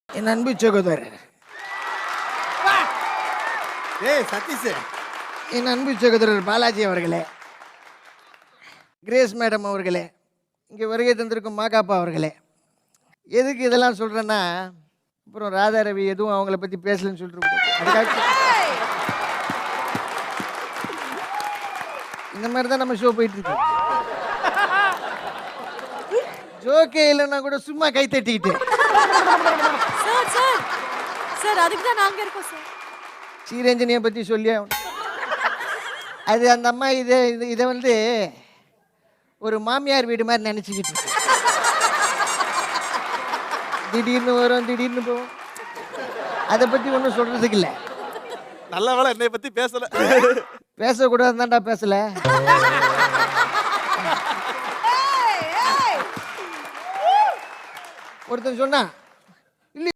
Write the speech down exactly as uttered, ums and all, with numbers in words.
என் அன்பு சகோதரர், ஏய் சதீஷ், என் அன்பு சகோதரர் பாலாஜி அவர்களே, கிரேஸ் மேடம் அவர்களே, இங்கே வருகை தந்திருக்கும் மாகாப்பா அவர்களே, எதுக்கு இதெல்லாம் சொல்கிறேன்னா, அப்புறம் ராதா ரவி எதுவும் அவங்கள பற்றி பேசலன்னு சொல்லிட்டு அதுக்காக இந்த மாதிரி தான் நம்ம ஷோ போயிட்டு இருக்கு. ஜோக்கே இல்லைன்னா கூட சும்மா கை தட்டிக்கிட்டு சார் சார் சார் அதுக்கு தான் நாங்க இருக்கோம் சார். ஸ்ரீரஞ்சனியை பற்றி சொல்லி அது அந்த அம்மா இதை இது இதை வந்து ஒரு மாமியார் வீடு மாதிரி நினச்சிக்கிட்டு இருக்கு. திடீர்னு வரும் திடீர்னு போகும். அதை பற்றி ஒன்றும் சொல்கிறதுக்கு இல்லை. நல்ல வேளை என்னை பற்றி பேசலை. பேசக்கூடாது தான்டா பேசலை. ஒருத்தன் சொன்னா